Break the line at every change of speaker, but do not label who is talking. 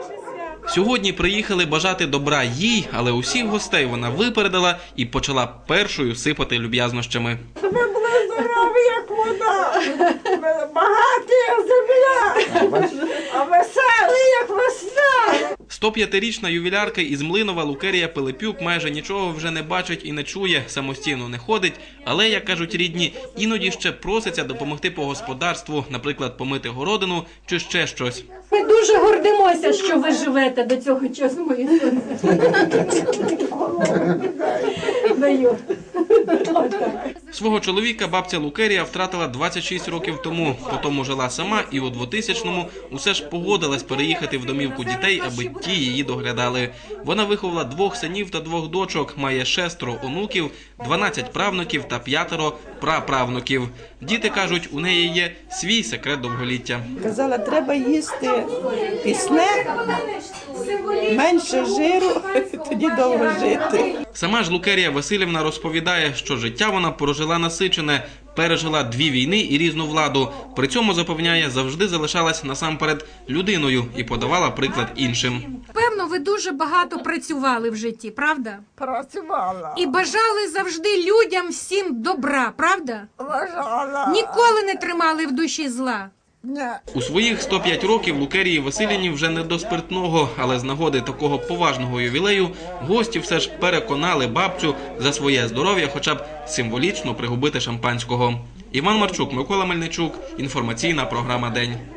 Сьогодні приїхали бажати добра їй, але усіх гостей вона випередила і почала першою сипати люб'язнощами.
Ви були здорові, як вода, багаті, як земля, а веселі, як весна.
105-річна ювілярка із Млинова Лукерія Пилипюк майже нічого вже не бачить і не чує, самостійно не ходить, але, як кажуть рідні, іноді ще проситься допомогти по господарству, наприклад, помити городину чи ще щось.
Ми дуже гордимося, що ви живете до цього часу, мої сонце. Даю.
Свого чоловіка бабця Лукерія втратила 26 років тому, потім жила сама і у 2000-му усе ж погодилась переїхати в домівку дітей, аби ті її доглядали. Вона виховала 2 синів та 2 дочок, має 6 онуків, 12 правнуків та 5 праправнуків. Діти кажуть, у неї є свій секрет довголіття.
Казала, треба їсти пісне, менше жиру, тоді довго жити.
Сама ж Лукерія Василівна розповідає, що життя вона прожила насичене, пережила 2 війни і різну владу. При цьому, запевняє, завжди залишалась насамперед людиною і подавала приклад іншим.
Певно, ви дуже багато працювали в житті, правда?
Працювала.
І бажали завжди людям всім добра, правда?
Бажала.
Ніколи не тримали в душі зла.
У своїх 105 років Лукерії Василівні вже не до спиртного, але з нагоди такого поважного ювілею гості все ж переконали бабцю за своє здоров'я хоча б символічно пригубити шампанського. Іван Марчук, Микола Мельничук, інформаційна програма «День».